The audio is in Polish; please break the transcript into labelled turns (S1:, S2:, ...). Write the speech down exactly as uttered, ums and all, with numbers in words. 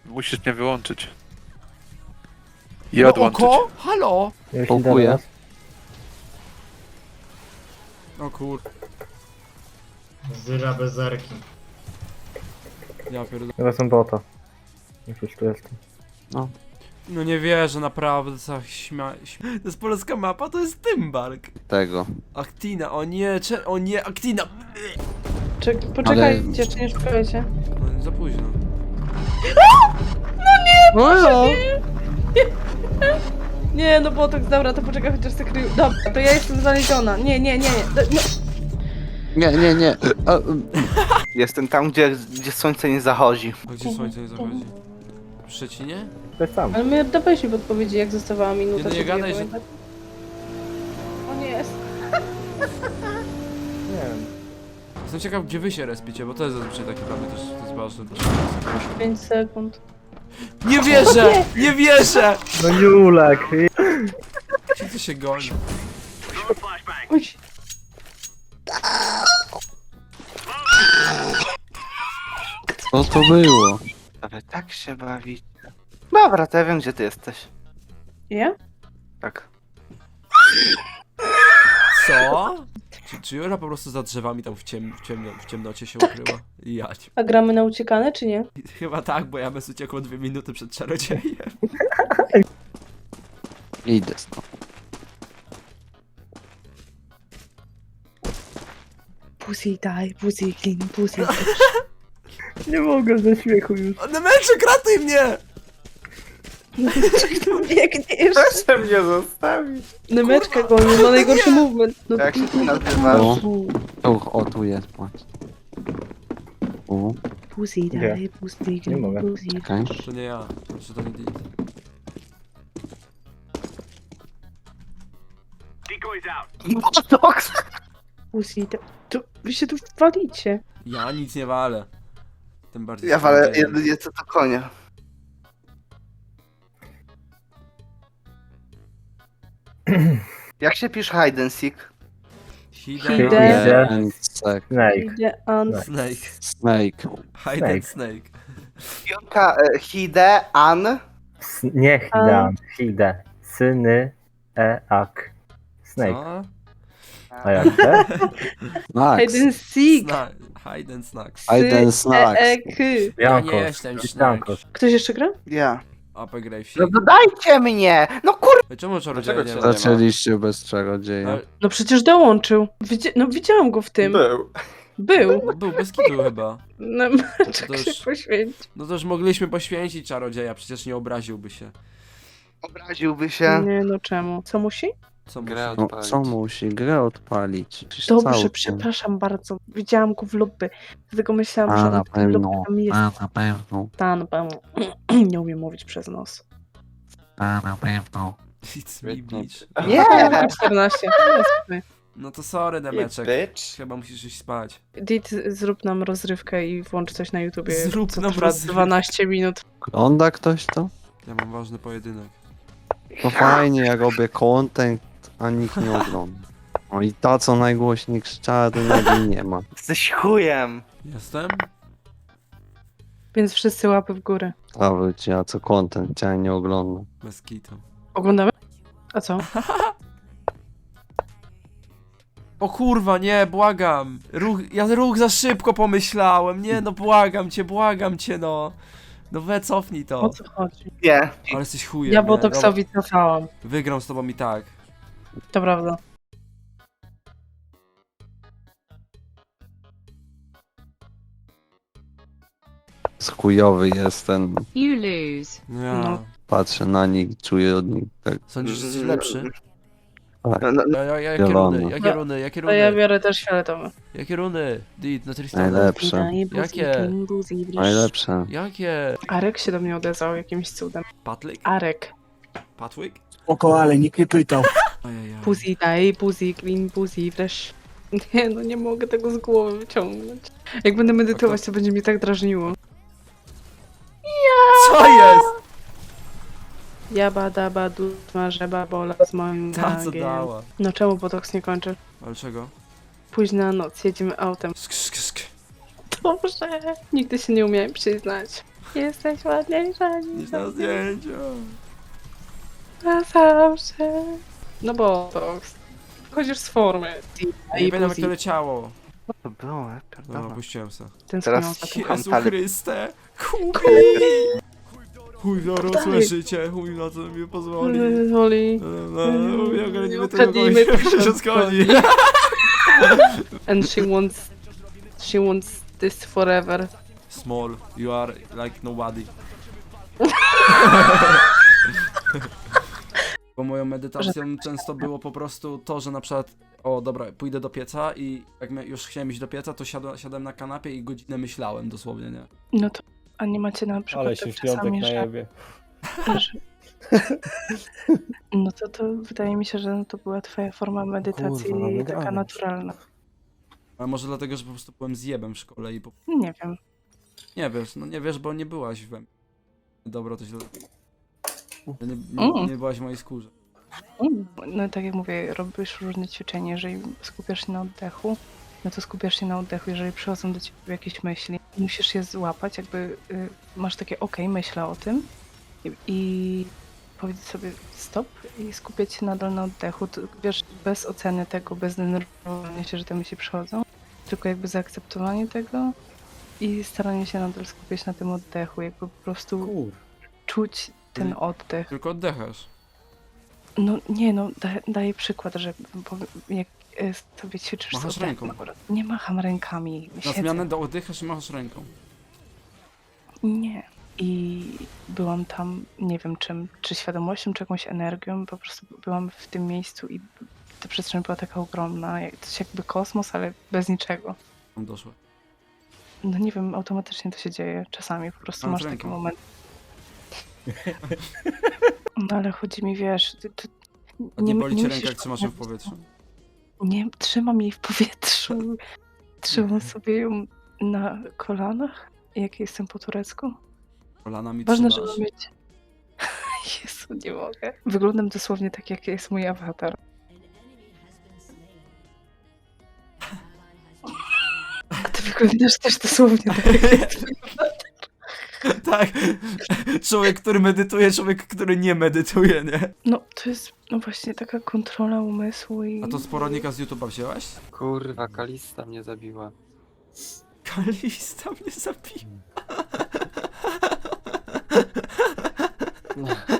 S1: Musisz mnie wyłączyć. I
S2: No
S1: odłączyć.
S2: oko? Halo?
S3: Ja się
S4: Pokuję.
S3: do nas.
S2: O kur...
S5: Zyra bez zerki.
S2: Ja pierdolę.
S3: Teraz są bota. Już już tu jestem.
S2: No nie wierzę, naprawdę, co śmia... śmia... To jest polska mapa, to jest Tymbark.
S4: Tego.
S2: Actina, o nie, cze... o nie, Actina!
S6: Czek poczekajcie, jeszcze nie szukajcie.
S2: No za późno.
S4: No
S6: Nie, no botox, dobra, to poczekaj chociaż se krył. Dobra, to ja jestem znaleziona. Nie, nie, nie, nie. Do- No.
S4: Nie, nie, nie. A,
S7: Jestem tam, gdzie, gdzie słońce nie zachodzi.
S2: A gdzie słońce nie zachodzi? W Szczecinie?
S3: To jest sam.
S6: Ale my dawaliśmy podpowiedzi, jak zostawała minuta.
S2: Nie, no nie
S6: żeby
S2: gadaj, że-
S6: pamiętać. O nie, jest.
S3: Nie wiem.
S2: Jestem ciekaw, gdzie wy się respicie, bo to jest zazwyczaj takie dla mnie też, to jest ważne.
S6: pięć sekund.
S2: Nie wierzę! Nie wierzę!
S3: No Julek!
S2: Gdzie ty się goni?
S6: Uj.
S4: co to było?
S7: Ale tak się bawi. Dobra, to ja wiem, gdzie ty jesteś.
S6: Ja?
S7: Tak.
S2: Co? Czy, czy Jura po prostu za drzewami tam w, ciem, w, ciemno, w ciemnocie się ukryła? Ja nie.
S6: A gramy na uciekane, czy nie?
S2: Chyba tak, bo ja bez uciekło dwie minuty przed czarodziejem.
S4: Idę stąd.
S6: Pussy die, pussy clean, pussy.
S3: Nie mogę ze śmiechu już.
S2: O, Nemeczek, ratuj mnie!
S6: Biegniesz.
S7: Proszę mnie zostawić.
S6: Nemeczka goni, ma najgorszy movement. No
S7: Jak się ty nazywasz?
S4: O, o, o tu jest, patrz. U,
S6: Pussy
S3: Gdzie?
S6: die, pussy
S3: Nie
S6: clean,
S3: mogę.
S6: pussy.
S4: czekaj.
S2: To nie ja, znaczy to nie Dit.
S7: Botox!
S6: Pussy die. To wy się tu walicie.
S2: Ja nic nie walę. Tym bardziej
S7: Ja
S2: z
S7: walę
S2: czarodziejem.
S7: jedynie co to konia. Jak się pisze hide and seek?
S2: Hide
S6: Hide.
S4: Nie, and sek.
S3: Snake.
S6: Idę an.
S2: Snake.
S4: Snake.
S2: Hide and snake.
S7: Pionka e, hide, an.
S3: S nie Hidan. Hide. Syny. E. Ak. Snake.
S2: Co?
S3: A jak te?
S4: Snacks.
S6: Hide and seek.
S2: Sna hide and snacks.
S4: Hide and snacks.
S6: E, e, k.
S2: Ja nie
S3: Jankos.
S2: jestem snack.
S3: Jankos.
S6: Ktoś jeszcze gra?
S7: Ja.
S2: Ape Gravesy.
S7: No dodajcie mnie! No kur...
S2: Czemu czarodzieja nie
S7: Dlaczego
S2: ma?
S7: cię
S4: Zaczęliście bez czarodzieja.
S2: Ale
S6: No przecież dołączył. Widzi no widziałam go w tym.
S7: Był.
S6: Był.
S2: no, był bez kitu chyba.
S6: No
S2: To
S6: czek
S2: już-
S6: się poświęci.
S2: No to już mogliśmy poświęcić czarodzieja, przecież nie obraziłby się.
S7: Obraziłby się.
S6: Nie no czemu? Co musi?
S2: Co
S1: Grę
S2: musi?
S4: No,
S1: odpalić.
S4: co musi? Grę odpalić. Przecież
S6: Dobrze,
S4: cały
S6: przepraszam bardzo. Widziałam go w lobby. Dlatego myślałam,
S4: A,
S6: że
S4: na
S6: on w tym lobby
S4: pewno.
S6: tam jest.
S4: A, na pewno.
S6: Ta, na pewno. Nie umiem mówić przez nos.
S4: A, na pewno.
S2: It's me, bitch.
S7: Nie!
S6: czternaście. No, spokojnie.
S2: No to sorry, Demeczek.
S7: Bitch.
S2: Chyba musisz iść spać.
S6: Dit, zrób nam rozrywkę i włącz coś na YouTubie.
S2: Zrób
S6: co
S2: nam
S6: trwa
S2: rozrywkę.
S6: dwanaście minut.
S4: Ogląda ktoś to?
S2: Ja mam ważny pojedynek.
S4: To fajnie, ja robię content, a nikt nie ogląda. No i ta, co najgłośniej krzyczała, to nagle nie ma.
S7: Jesteś chujem.
S2: Jestem?
S6: Więc wszyscy łapy w górę.
S4: Nawet ja, co content, ja nie oglądam.
S2: Bez kitu.
S6: Oglądamy? A co?
S2: O kurwa, nie, błagam. Ruch, ja ruch za szybko pomyślałem. Nie, no błagam cię, błagam cię, no. No we, cofnij
S6: O
S2: to.
S6: co chodzi?
S7: Nie.
S2: Ale jesteś chujem,
S6: Ja
S2: nie?
S6: Botoxowi cofałam.
S2: Dobra, wygram z tobą i tak.
S6: To prawda.
S4: Chujowy jestem,
S8: You lose.
S2: Ja.
S6: No.
S4: patrzę na nich, czuję od nich tak.
S2: Sądzisz, że jesteś lepszy?
S7: No, no,
S2: Ja, ja, ja, jakie
S4: Zielony.
S2: runy, jakie runy, jakie
S6: To ja
S2: runy,
S6: biorę też fioletowy.
S2: jakie runy? Dit, na Tristana.
S4: Najlepsze,
S2: Jakie?
S4: najlepsze.
S2: Jakie?
S6: Arek się do mnie odezwał jakimś cudem.
S2: Patlik?
S6: Arek.
S2: Patwick?
S9: Oko, ale nikt nie pytał.
S2: Ajajaj.
S6: Pussy daj, pussy clean, pussy fresh. Nie no, nie mogę tego z głowy wyciągnąć. Jak będę medytować, to będzie mnie tak drażniło.
S2: Co jest?
S6: Jaba daba du smażę babola z moim
S2: Ta co
S6: gangiem.
S2: dała?
S6: No czemu Botox nie kończy?
S2: Ale czego?
S6: Późna noc, jedziemy autem.
S2: Sk, sk, sk.
S6: Dobrze. Nigdy się nie umiałem przyznać. Jesteś ładniejsza
S2: Niż
S6: niż
S2: na zdjęciu.
S6: na zawsze. No bo to wchodzisz z formy.
S2: Ja nie pamiętam jak to leciało.
S7: To było,
S2: Dobra,
S7: pierdolę.
S2: puściłem se.
S6: Ten
S7: Teraz
S6: teraz
S2: Jezu
S7: Kantali.
S2: Chryste! Chuj! Chuj, zaraz
S6: Dalej.
S2: słyszycie, chuj na co mi pozwoli.
S6: Woli.
S2: No, no, mówię, ogarnijmy tego
S6: Okradnijmy
S2: kogoś,
S6: tego
S2: się schodzi.
S6: And she wants... She wants this forever.
S2: Small, you are like nobody. Bo moją medytacją często było po prostu to, że na przykład o dobra, pójdę do pieca i jak my już chciałem iść do pieca, to siadłem, siadłem na kanapie i godzinę myślałem dosłownie, nie?
S6: No to... A nie macie na przykład
S5: Ale
S6: tak
S5: się w piątek
S6: czasami,
S5: na
S6: że...
S5: jebie.
S6: że- No to to wydaje mi się, że to była twoja forma medytacji
S5: Kurwa, mamy
S6: taka
S5: grać.
S6: naturalna.
S2: Ale może dlatego, że po prostu byłem zjebem w szkole i po...
S6: Nie wiem.
S2: Nie wiesz, no nie wiesz, bo nie byłaś we mnie. Dobro, to źle. Nie, nie,
S6: Mm.
S2: nie byłaś w mojej skórze.
S6: Mm, No tak jak mówię, robisz różne ćwiczenia, jeżeli skupiasz się na oddechu, no to skupiasz się na oddechu, jeżeli przychodzą do ciebie jakieś myśli, musisz je złapać, jakby y, masz takie okej, myślę o tym i, i powiedzieć sobie stop i skupiać się nadal na oddechu, to, wiesz, bez oceny tego, bez denerwowania się, że te myśli przychodzą, tylko jakby zaakceptowanie tego i staranie się nadal skupiać na tym oddechu, jakby po prostu
S5: Kur.
S6: czuć ten
S2: Mhm.
S6: oddech.
S2: Tylko oddechasz.
S6: No nie, no da, daję przykład, że bo, jak e, sobie ćwiczysz
S2: Machasz
S6: z oddechem
S2: ręką.
S6: akurat. Nie macham rękami,
S2: Na
S6: siedzę.
S2: zmianę do oddychasz i machasz ręką.
S6: Nie. I byłam tam, nie wiem czym, czy świadomością, czy jakąś energią, po prostu byłam w tym miejscu i ta przestrzeń była taka ogromna, jak, coś jakby kosmos, ale bez niczego.
S2: Tam doszło.
S6: No nie wiem, automatycznie to się dzieje czasami, po prostu
S2: Mam
S6: masz
S2: z
S6: taki
S2: ręką.
S6: moment. No ale chodzi mi, wiesz, ty, ty,
S2: A nie boli cię
S6: musisz
S2: ręka, jak trzymasz ją w
S6: robić,
S2: powietrzu?
S6: Nie, trzymam jej w powietrzu. Trzymam sobie ją na kolanach, jak jestem po turecku.
S2: Kolanami
S6: Ważne,
S2: trzymasz.
S6: żeby mieć... Jezu, nie mogę. Wyglądam dosłownie tak, jak jest mój awatar. A ty wyglądasz też dosłownie tak, jak jest mój awatar.
S2: Tak. Człowiek, który medytuje, człowiek, który nie medytuje, nie?
S6: No, to jest no właśnie taka kontrola umysłu i...
S2: A to z poradnika z YouTube'a wzięłaś?
S8: Kurwa, Kalista mnie zabiła.
S2: Kalista mnie zabiła.